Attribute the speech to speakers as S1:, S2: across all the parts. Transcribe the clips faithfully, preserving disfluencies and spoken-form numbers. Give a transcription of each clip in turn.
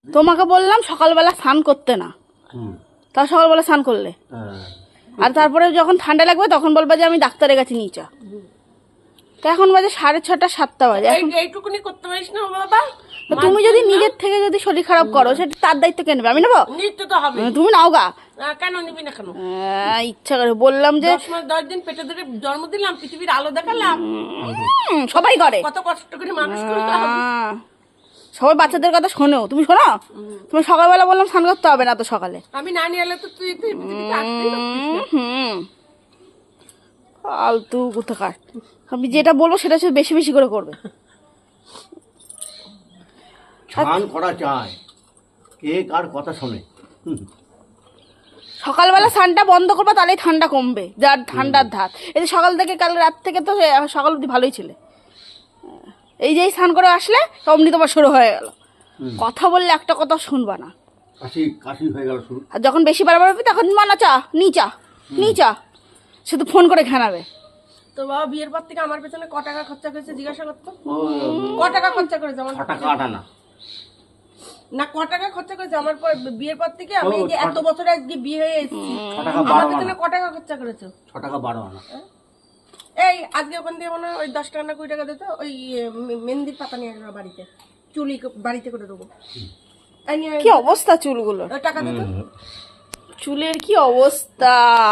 S1: তোমাকে বললাম সকালবেলা স্নান করতে না, তা সকালবেলা স্নান করলে, আর তারপরে যখন ঠান্ডা লাগবে তখন বলবা যে আমি ডাক্তারের কাছে নিয়ে চা। তা এখন বাজে সাড়ে ছটা সাতটা বাজে,
S2: এইটুকুনি করতে পারিস না বাবা?
S1: তুমি যদি নিজের থেকে যদি শরীর খারাপ করো সেটা তার দায়িত্ব কে নেবে? আমি নেবো?
S2: নিতে তো হবে।
S1: তুমি নাও গা।
S2: কেন নিবি না কেন?
S1: ইচ্ছা করে বললাম যে
S2: দশ মাস দশ দিন পেটে ধরে জন্ম দিলাম, পৃথিবীর আলো দেখালাম,
S1: সবাই করে,
S2: কত কষ্ট করে মানুষ করলাম।
S1: সবাই বাচ্চাদের কথা শোনো, তুমি শোনো? তুমি সকালবেলা বললাম স্নান করতে হবে না তো সকালে,
S2: আমি না নিয়ে এলে তো তুই তুই পৃথিবীতে আসতেই পারতিস না।
S1: হুম ফালতু কোথাকার। আমি যেটা বলবো সেটা হচ্ছে বেশি বেশি করে করবে।
S3: স্নান করা চায়, কে কার কথা শোনে?
S1: সকালবেলা স্নানটা বন্ধ করবা, তাহলেই ঠান্ডা কমবে, যার ঠান্ডার ধাত। এই যে সকাল থেকে কাল রাত থেকে তো সকাল অবধি ভালোই ছিলে, এই যে স্নান করে আসলে অমনি তোমার শুরু হয়ে গেল। কথা বললে একটা কথা শুনবা না,
S3: কাশি কাশি হয়ে গেল শুরু।
S1: আর যখন বেশি বারবার হবে তখন মানা চা নি চা নি চা, শুধু ফোন করে ঘানাবে।
S2: তো বাবা বিয়ের পর থেকে আমার পেছনে ক টাকা খরচা করেছে জিজ্ঞাসা করতো? ক টাকা খরচা করেছে আমার?
S3: ছ টাকা আটা না
S2: না, ক টাকা খরচা করেছে আমার পর বিয়ের পর থেকে? আমি যে এত বছর আজকে বিয়ে হয়ে এসেছি,
S3: ছ টাকা
S2: আমার
S3: বারো
S2: পেছনে
S3: আনা,
S2: ক টাকা খরচা করেছো?
S3: ছ টাকা বারো আনা।
S2: এই আজকে ওখান থেকে মনে হয় ওই দশ টাকা না কুড়ি টাকা দিত, ওই মে- মেহেন্দির পাতা নিয়ে আসবে বাড়িতে, চুলি ক- বাড়িতে করে দেবো। এই নিয়ে
S1: কি অবস্থা চুলগুলো,
S2: ওই টাকা দিত।
S1: চুলের কি অবস্থা।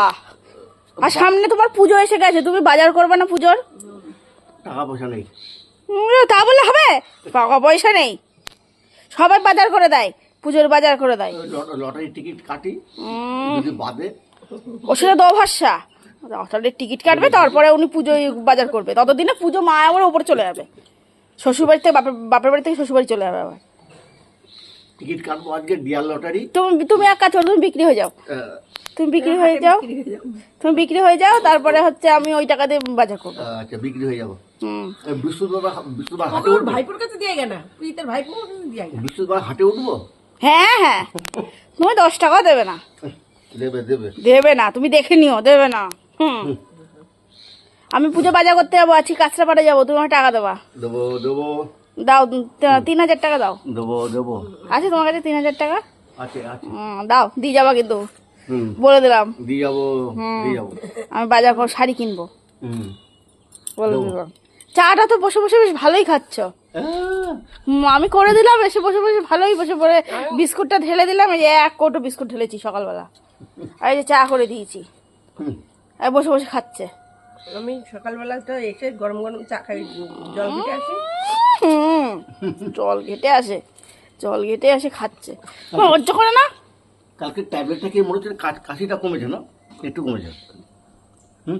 S1: আর সামনে তোমার পুজো এসে গেছে, তুমি বাজার করবে না পুজোর?
S3: টাকা পয়সা নেই।
S1: উম, তা বললে হবে? টাকা পয়সা নেই, সবাই বাজার করে দেয়, পুজোর বাজার করে দেয়।
S3: লটারির টিকিট কাটি যদি বাদে।
S1: ও সেটা দো ভরসা, লটারির টিকিট কাটবে তারপরে উনি পুজোয় বাজার করবে, ততদিনে পুজো মা আমার ওপরে চলে যাবে, শ্বশুরবাড়ি থেকে বাপের বাপের বাড়ি থেকে শ্বশুরবাড়ি চলে যাবে আবার।
S3: টিকিট কাটবো আজকে ডিয়ার লটারি।
S1: তুমি তুমি এক কাজ করো, তুমি বিক্রি হয়ে যাও, তুমি বিক্রি হয়ে যাও, তুমি বিক্রি হয়ে যাও, তারপরে হচ্ছে আমি ওই টাকা দিয়ে বাজার করবো।
S3: আচ্ছা বিক্রি হয়ে যাবো।
S1: হুম
S3: বৃহস্পতিবার বৃহস্পতিবার হাটে
S2: তোর
S3: উঠবো।
S2: ভাইপুর কাছে দিয়ে গেনা, তুই তোর ভাইপুর কাছে দিয়ে গেনা।
S3: বৃহস্পতিবার হাটে উঠবো।
S1: হ্যাঁ হ্যাঁ, তুমি দশ টাকাও দেবে না,
S3: দেবে দেবে
S1: দেবে না, তুমি দেখে নিও, দেবে না। হুম আমি পুজো বাজার করতে যাবো, আজকে কাঁচরাপাড়া যাবো, তুমি আমার টাকা দেবা।
S3: দেবো দেবো
S1: দাও, তি- তিন হাজার টাকা দাও।
S3: দেবো দেবো
S1: আছে তোমার কাছে তিন হাজার টাকা?
S3: আছে আছে।
S1: হুম, দাও, দিয়ে যাবা কিন্তু,
S3: হুম
S1: বলে দিলাম।
S3: দিয়ে যাবো দিয়ে যাবো।
S1: আমি বাজার করে শাড়ি কিনবো,
S3: হুম
S1: বলে দিলাম। চাটা তো বসে বসে বেশ ভালোই খাচ্ছ।
S3: আহ,
S1: হুম, আমি করে দিলাম, এসে বসে বসে ভালোই বসে পড়ে বিস্কুটটা ঢেলে দিলাম, এই যে এক কৌটো বিস্কুট ঢেলেছি সকালবেলা, আর এই যে চা করে দিয়েছি,
S3: হুম,
S1: আর বসে বসে খাচ্ছে।
S2: আমি সকালবেলা তো এসে গরম গরম চা খাই, জল খেতে আসি।
S1: হুম জল ঘেটে আসে, জল ঘেটে আসে খাচ্ছে, লজ্জা করে না?
S3: কালকে ট্যাবলেটটা খেয়ে মনে হচ্ছে কা- কাশিটা কমেছে না? একটু কমেছে। হুম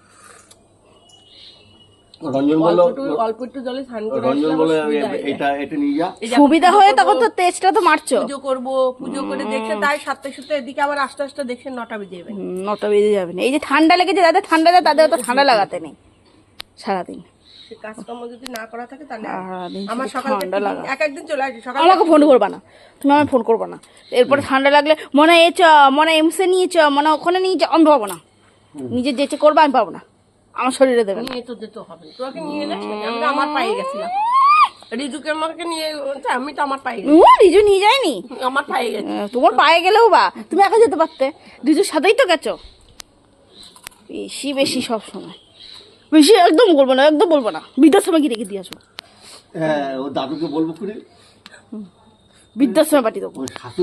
S3: রঞ্জন
S2: অল্প
S3: বললো,
S2: একটু অল্প একটু জলে স্নান করে
S3: রঞ্জন
S2: আসলে
S3: বলে
S2: আমার সুবিধা হয়ে যায়।
S3: এটা এটা নিয়ে যা।
S2: এই যে
S1: সুবিধা
S2: এখন
S1: হয়ে
S2: পুজো
S1: তখন তো
S2: করবো,
S1: তেজটা তো মারছো।
S2: পুজো করবো, পুজো করে দেখছে তাই সাতটা সাতটা, এদিকে আবার আস্তে আস্তে দেখছে নটা বেজে যাবে।
S1: হুম, নটা বেজে যাবে না। এই যে ঠান্ডা লেগেছে, যাদের ঠান্ডা যায় তাদের তো ঠান্ডা লাগাতে নেই সারাদিন।
S2: সে কাজকর্ম যদি না করা থাকে তাহলে
S1: সারাদিন
S2: আমার
S1: শুধু
S2: সকাল
S1: ঠান্ডা লাগা।
S2: এক একদিন চলে আসে সকাল।
S1: আমাকে ফোন করবা না, তুমি আমায় ফোন করবা না। এরপরে ঠান্ডা লাগলে মনে এ চ, মনে এমসে নিয়ে চ, মনে ওখানে নিয়ে চ, আমি পাবো না। নিজের যেচে করবা আমি পাবো না, আমার শরীরে দেবে না।
S2: নিয়ে তো যেতে হবে, তোকে নিয়ে যাস নাকি? আমি তো আমার পায়ে গেছিলাম, রিজুকে আমাকে নিয়ে, আমি তো আমার পায়ে গেছি,
S1: ও রিজু নিয়ে যায়নি,
S2: আমার পায়ে গেছি।
S1: আহ, তোমার পায়ে গেলেও বা তুমি একা যেতে পারতে, রিজুর সাথেই তো গেছো। বেশি বেশি সব সময় বেশি একদম বলবো না, একদম বলবো না, বৃদ্ধাশ্রমে গিয়ে রেখে দিয়ে আসো,
S3: হ্যাঁ ও দাদুকে বলবো করে
S1: বৃদ্ধাশ্রমে পাঠিয়ে দেবো।
S3: ওই শাশুড়ি